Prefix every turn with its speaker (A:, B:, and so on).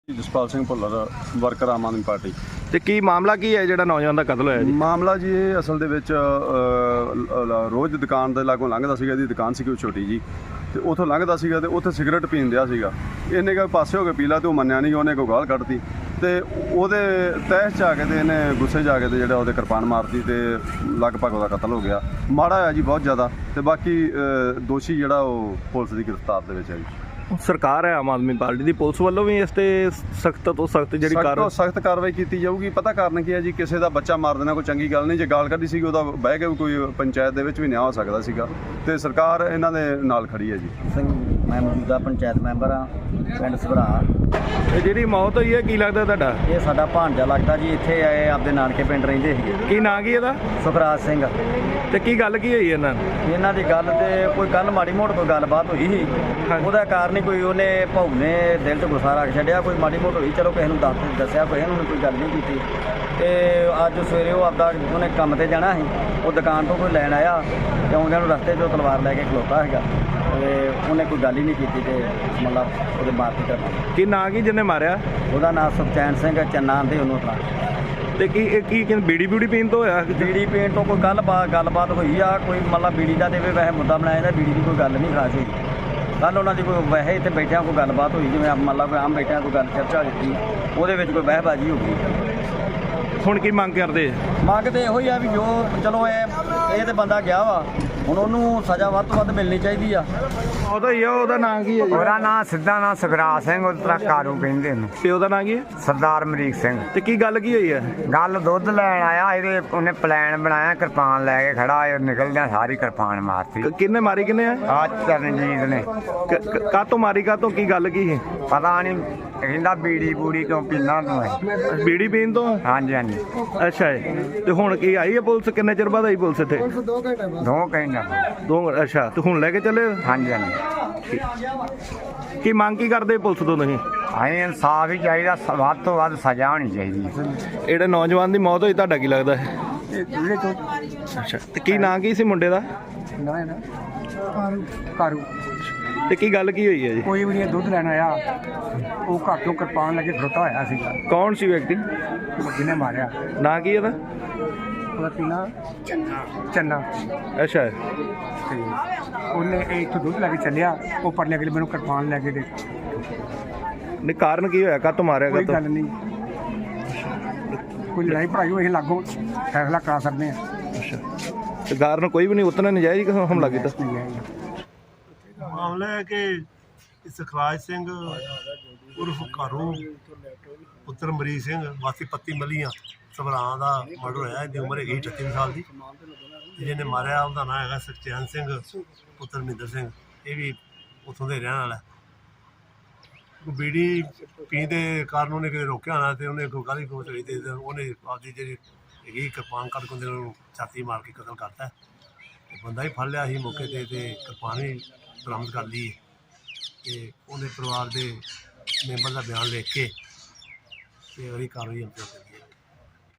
A: Jaspal Singh Bhullar worker Aam Aadmi Party.
B: ਤੇ ਕੀ ਮਾਮਲਾ ਕੀ ਹੈ ਜਿਹੜਾ ਨੌਜਵਾਨ ਦਾ ਕਤਲ ਹੋਇਆ ਜੀ?
A: ਮਾਮਲਾ ਜੀ ਇਹ ਅਸਲ ਦੇ ਵਿੱਚ ਰੋਜ਼ ਦੁਕਾਨ ਦੇ ਲਾਗੋਂ ਲੰਘਦਾ ਸੀਗਾ। ਇਹਦੀ ਦੁਕਾਨ ਸੀ ਕੋਈ ਛੋਟੀ ਜੀ, ਤੇ ਉੱਥੋਂ ਲੰਘਦਾ ਸੀਗਾ ਤੇ ਉੱਥੇ ਸਿਗਰਟ ਪੀਣ ਦਿਆ ਸੀਗਾ। ਇਹਨੇ ਕਿਹਾ ਪਾਸੇ ਹੋ ਕੇ ਪੀ ਲਾ, ਤੇ ਉਹ ਮੰਨਿਆ ਨਹੀਂ। ਉਹਨੇ ਕੋਈ ਗਾਲ ਕੱਢਤੀ ਤੇ ਉਹਦੇ ਤਹਿਸ 'ਚ ਆ ਕੇ ਤੇ ਇਹਨੇ ਗੁੱਸੇ 'ਚ ਆ ਕੇ ਤੇ ਜਿਹੜਾ ਉਹਦੇ ਕਿਰਪਾਨ ਮਾਰਤੀ ਤੇ ਲਗਭਗ ਉਹਦਾ ਕਤਲ ਹੋ ਗਿਆ। ਮਾੜਾ ਹੋਇਆ ਜੀ ਬਹੁਤ ਜ਼ਿਆਦਾ। ਤੇ ਬਾਕੀ ਦੋਸ਼ੀ ਜਿਹੜਾ ਉਹ ਪੁਲਿਸ ਦੀ ਗ੍ਰਿਫਤਾਰ ਦੇ ਵਿੱਚ ਹੈ ਜੀ।
B: ਸਰਕਾਰ ਹੈ ਆਮ ਆਦਮੀ ਪਾਰਟੀ ਦੀ, ਪੁਲਿਸ ਵੱਲੋਂ ਵੀ ਇਸ ਤੇ ਸਖਤ ਤੋਂ ਸਖਤ ਜਿਹੜੀ
A: ਸਖਤ ਕਾਰਵਾਈ ਕੀਤੀ ਜਾਊਗੀ। ਪਤਾ ਕਾਰਨ ਕੀ ਹੈ ਜੀ, ਕਿਸੇ ਦਾ ਬੱਚਾ ਮਾਰ ਦੇਣਾ ਕੋਈ ਚੰਗੀ ਗੱਲ ਨਹੀਂ। ਜੇ ਗਾਲ ਕੱਢੀ ਸੀਗੀ ਉਹਦਾ ਬਹਿ ਕੇ ਵੀ ਕੋਈ ਪੰਚਾਇਤ ਦੇ ਵਿੱਚ ਵੀ ਨਿਆਂ ਹੋ ਸਕਦਾ ਸੀਗਾ, ਤੇ ਸਰਕਾਰ ਇਹਨਾਂ ਦੇ ਨਾਲ ਖੜੀ ਹੈ ਜੀ।
C: ਸਿੰਘ ਮੈਂ ਮੌਜੂਦਾ ਪੰਚਾਇਤ ਮੈਂਬਰ ਹਾਂ ਪਿੰਡ ਸਭਰਾ।
B: ਇਹ ਜਿਹੜੀ ਮੌਤ ਹੋਈ ਹੈ ਕੀ ਲੱਗਦਾ ਤੁਹਾਡਾ?
C: ਇਹ ਸਾਡਾ ਭਾਣਜਾ ਲੱਗਦਾ ਜੀ। ਇੱਥੇ ਆਏ ਆਪਦੇ ਨਾਨਕੇ ਪਿੰਡ ਰਹਿੰਦੇ ਸੀਗੇ।
B: ਕੀ ਨਾਂ ਕੀ ਇਹਦਾ?
C: ਸੁਖਰਾਜ ਸਿੰਘ।
B: ਤੇ ਕੀ ਗੱਲ ਕੀ ਹੋਈ ਇਹਨਾਂ
C: ਦੀ ਗੱਲ ਤੇ ਕੋਈ ਕੱਲ ਮਾੜੀ ਮੋਟ ਕੋਈ ਗੱਲਬਾਤ ਹੋਈ ਸੀ। ਉਹਦਾ ਕਾਰਨ ਹੀ ਕੋਈ ਉਹਨੇ ਭਾਊ ਨੇ ਦਿਲ 'ਚ ਗੁੱਸਾ ਰੱਖ ਛੱਡਿਆ। ਕੋਈ ਮਾੜੀ ਮੋਟ ਹੋਈ, ਚਲੋ ਕਿਸੇ ਨੂੰ ਦੱਸਿਆ, ਕਿਸੇ ਨੂੰ ਕੋਈ ਗੱਲ ਨਹੀਂ ਕੀਤੀ। ਤੇ ਅੱਜ ਸਵੇਰੇ ਉਹ ਆਪਦਾ ਉਹਨੇ ਕੰਮ ਤੇ ਜਾਣਾ ਸੀ, ਉਹ ਦੁਕਾਨ ਤੋਂ ਕੋਈ ਲੈਣ ਆਇਆ ਤੇ ਆਉਂਦਿਆਂ ਨੂੰ ਰਸਤੇ 'ਚੋਂ ਤਲਵਾਰ ਲੈ ਕੇ ਖਲੋਤਾ ਸੀਗਾ। ਤੇ ਉਹਨੇ ਕੋਈ ਗੱਲ ਹੀ ਨਹੀਂ ਕੀਤੀ ਤੇ ਮਤਲਬ ਉਹਦੇ ਮਾਰਤੀ ਕਰਨਾ।
B: ਕੀ ਨਾਂ ਕੀ ਜਿਹਨੇ ਮਾਰਿਆ?
C: ਉਹਦਾ ਨਾਮ ਸੁਖਚੈਨ ਸਿੰਘ ਚੰਨਾ ਆਂਦੇ ਉਹਨੂੰ ਤਾਂ।
B: ਤੇ ਕੀ ਬੀੜੀ ਪੀਣ ਤੋਂ ਹੋਇਆ?
C: ਬੀੜੀ ਪੀਣ ਤੋਂ ਕੋਈ ਗੱਲਬਾਤ ਹੋਈ ਆ। ਕੋਈ ਮਤਲਬ ਬੀੜੀ ਦਾ ਤੇ ਵੈਸੇ ਮੁੱਦਾ ਬਣਾਇਆ ਜਾਂਦਾ, ਬੀੜੀ ਦੀ ਕੋਈ ਗੱਲ ਨਹੀਂ ਖਾਸ ਹੋਈ। ਕੱਲ੍ਹ ਉਹਨਾਂ ਦੀ ਕੋਈ ਵੈਸੇ ਇੱਥੇ ਬੈਠਿਆਂ ਕੋਈ ਗੱਲਬਾਤ ਹੋਈ, ਜਿਵੇਂ ਮਤਲਬ ਆਮ ਬੈਠਿਆਂ ਕੋਈ ਗੱਲ ਚਰਚਾ ਦਿੱਤੀ, ਉਹਦੇ ਵਿੱਚ ਕੋਈ ਬਹਿਬਾਜ਼ੀ ਹੋ ਗਈ।
B: ਹੁਣ ਕੀ ਮੰਗ ਕਰਦੇ?
C: ਮੰਗ ਤੇ ਇਹੋ ਹੀ ਆ ਵੀ ਜੋ ਚਲੋ ਇਹ ਤੇ ਬੰਦਾ ਗਿਆ ਵਾ, ਹੁਣ ਉਹਨੂੰ ਸਜ਼ਾ ਵੱਧ ਤੋਂ ਵੱਧ ਮਿਲਣੀ ਚਾਹੀਦੀ ਆ।
B: ਉਹਦਾ ਹੀ ਆ। ਉਹਦਾ ਨਾਂ ਕੀ ਹੈ ਜੀ?
D: ਉਹਦਾ ਨਾਂ ਸਿੱਧਾ ਨਾਂ ਸੁਖਰਾਜ ਸਿੰਘ, ਉਤਰਾ ਕਾਰੂ ਕਹਿੰਦੇ ਉਹਨੂੰ।
B: ਪਿਓ ਦਾ ਨਾਂ ਕੀ ਹੈ?
D: ਸਰਦਾਰ ਅਮਰੀਕ ਸਿੰਘ।
B: ਤੇ ਕੀ ਗੱਲ ਕੀ ਹੋਈ ਹੈ?
D: ਗੱਲ ਦੁੱਧ ਲੈਣ ਆਇਆ, ਇਹਦੇ ਉਹਨੇ ਪਲਾਨ ਬਣਾਇਆ, ਕਿਰਪਾਨ ਲੈ ਕੇ ਖੜਾ, ਇਹ ਨਿਕਲਦਿਆਂ ਸਾਰੀ ਕਿਰਪਾਨ ਮਾਰਤੀ।
B: ਕਿੰਨੇ ਮਾਰੀ ਕਿੰਨੇ ਆ?
D: ਆ ਚਰਨਜੀਤ ਨੇ।
B: ਕਾਹਤੋਂ ਮਾਰੀ? ਕਾਹਤੋਂ? ਕੀ ਗੱਲ ਕੀ ਸੀ?
D: ਪਤਾ ਨਹੀਂ, ਕਹਿੰਦਾ ਬੀੜੀ ਬੂੜੀ ਕਿਉਂ ਪੀਂਦਾ ਤੂੰ?
B: ਬੀੜੀ ਪੀਣ ਤੋਂ?
D: ਹਾਂਜੀ ਹਾਂਜੀ।
B: ਅੱਛਾ ਜੀ। ਤੇ ਹੁਣ ਕੀ ਆਈ ਹੈ ਪੁਲਿਸ? ਕਿੰਨੇ ਚਿਰ ਬਾਅਦ ਆਈ ਪੁਲਿਸ ਇੱਥੇ?
D: 2 ਘੰਟੇ।
B: ਅੱਛਾ। ਤੇ ਹੁਣ ਲੈ ਕੇ ਚੱਲੇ?
D: ਹਾਂਜੀ ਹਾਂਜੀ।
B: ਕੀ ਮੰਗ ਕੀ ਕਰਦੇ ਪੁਲਿਸ ਤੋਂ ਤੁਸੀਂ?
D: ਅਸੀਂ ਇਨਸਾਫ ਹੀ ਚਾਹੀਦਾ, ਵੱਧ ਤੋਂ ਵੱਧ ਸਜ਼ਾ ਹੋਣੀ ਚਾਹੀਦੀ ਹੈ।
B: ਜਿਹੜੇ ਨੌਜਵਾਨ ਦੀ ਮੌਤ ਹੋਈ, ਤੁਹਾਡਾ ਕੀ ਲੱਗਦਾ ਹੈ? ਅੱਛਾ। ਤੇ ਕੀ ਨਾਂ ਕੀ ਸੀ ਮੁੰਡੇ ਦਾ?
D: ਕਾਰੂ।
B: ਤੇ ਕੀ ਗੱਲ ਕੀ ਹੋਈ ਹੈ ਜੀ?
D: ਕੋਈ ਵੀ ਨਹੀਂ, ਦੁੱਧ ਲੈਣ ਆਇਆ, ਉਹ ਘਰ ਤੋਂ ਕਿਰਪਾਨ ਲੈ ਕੇ ਖੜੋਤਾ ਹੋਇਆ ਸੀਗਾ।
B: ਕੌਣ ਸੀ ਵਿਅਕਤੀ
D: ਜਿਹਨੇ ਮਾਰਿਆ?
B: ਨਾਂ ਕੀ ਇਹਦਾ?
D: ਉਹਦਾ ਪੀਣਾ ਚੰਨਾ।
B: ਅੱਛਾ।
D: ਤੇ ਉਹਨੇ ਇੱਥੋਂ ਦੁੱਧ ਲੈ ਕੇ ਚੱਲਿਆ, ਉਹ ਪਰਲੇ ਅਗਲੇ ਮੈਨੂੰ ਕਿਰਪਾਨ ਲੈ ਕੇ ਦੇ।
B: ਨਹੀਂ, ਕਾਰਨ ਕੀ ਹੋਇਆ? ਕਾਹਤੋਂ ਮਾਰਿਆ?
D: ਕੋਈ ਗੱਲ ਨਹੀਂ, ਕੋਈ ਲੜਾਈ ਭੜਾਈ ਹੋਈ, ਲਾਗੋਂ ਫੈਸਲਾ ਕਰਾ ਸਕਦੇ ਹਾਂ।
B: ਅੱਛਾ। ਤੇ ਕਾਰਨ ਕੋਈ ਵੀ ਨਹੀਂ, ਉਤਨਾ ਨਜਾਇਜ਼ ਹਮਲਾ ਕੀਤਾ?
E: ਮਾਮਲਾ ਹੈ ਕਿ ਸੁਖਰਾਜ ਸਿੰਘ ਉਰਫ ਘਰੂ ਪੁੱਤਰ ਮਰੀਜ਼ ਸਿੰਘ ਵਾਸੀ ਪੱਤੀ ਮਲੀਆਂ ਸਭਰਾਂ ਦਾ ਮਰਡਰ ਹੋਇਆ। ਇਹਦੀ ਉਮਰ ਹੈਗੀ 38 ਸਾਲ ਦੀ। ਜਿਹਨੇ ਮਾਰਿਆ ਉਹਦਾ ਨਾਂ ਹੈਗਾ ਸੁਖਚੈਨ ਸਿੰਘ ਪੁੱਤਰ ਮਹਿੰਦਰ ਸਿੰਘ। ਇਹ ਵੀ ਉੱਥੋਂ ਦੇ ਰਹਿਣ ਵਾਲਾ। ਬੀੜੀ ਪੀਣ ਦੇ ਕਾਰਨ ਉਹਨੇ ਕਿਤੇ ਰੋਕਿਆ ਹੋਣਾ, ਤੇ ਉਹਨੇ ਕੋਈ ਗਾਲੀ ਗਲੋਚ ਹੋਈ ਤੇ ਉਹਨੇ ਆਪਦੀ ਜਿਹੜੀ ਹੈਗੀ ਕਿਰਪਾਨ ਕੱਢ ਕੇ ਉਹਨੂੰ ਛਾਤੀ ਮਾਰ ਕੇ ਕਤਲ ਕਰਤਾ। ਬੰਦਾ ਹੀ ਫੜ ਲਿਆ ਸੀ ਮੌਕੇ 'ਤੇ, ਤੇ ਕਿਰਪਾਨ ਵੀ ਬਰਾਮਦ ਕਰ ਲਈ। ਤੇ ਉਹਨੇ ਪਰਿਵਾਰ ਦੇ ਮੈਂਬਰ ਦਾ ਬਿਆਨ ਲਿਖ ਕੇ ਤੇ ਅਗਲੀ ਕਾਰਵਾਈ ਅੰਜਾਮ ਦਿੱਤੀ।